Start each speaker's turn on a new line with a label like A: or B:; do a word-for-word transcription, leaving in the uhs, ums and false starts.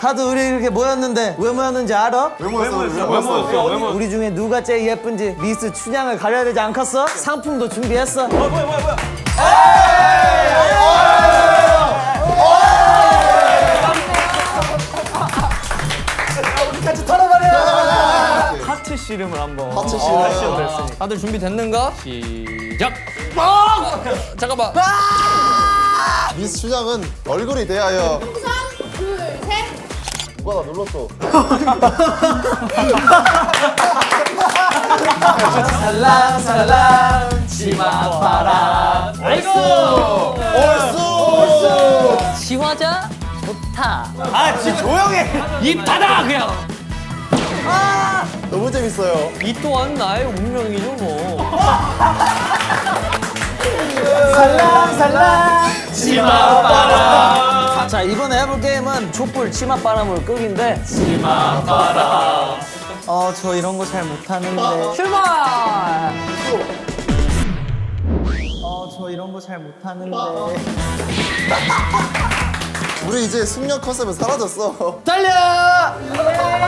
A: 다들 우리 이렇게 모였는데 왜 모였는지 알아?
B: 왜 모였어? 왜 모였어? 왜 모였어?
A: 우리 중에 누가 제일 예쁜지 미스 춘향을 가려야 되지 않겠어? 상품도 준비했어.
C: 뭐야 뭐야 뭐야.
A: 같이 털어버려.
C: 하트 씨름을 한번.
B: 하트 씨름.
C: 됐으니까.
D: 다들 준비됐는가? 시작! 아! 잠깐만.
B: 미스 춘향은 얼굴이 대하여
E: 우선 둘, 셋.
B: 누가 나 눌렀어?
A: 살랑 살랑 치맛바람.
D: 아이고!
B: 얼쑤!
D: 시화자 좋다.
C: 아 진짜 조용해.
D: 이 바다 그냥.
B: 너무 재밌어요.
D: 이 또한 나의 운명이죠 뭐.
A: 살랑 살랑 치맛바람. 자 이번에 해볼 게임은 촛불 치맛바람을 끄기인데. 치맛바람. 어 저 이런 거 잘 못하는데.
D: 출발!
A: 어 저 이런 거 잘 못하는데.
B: 우리 이제 숙녀 컨셉은 사라졌어.
A: 달려!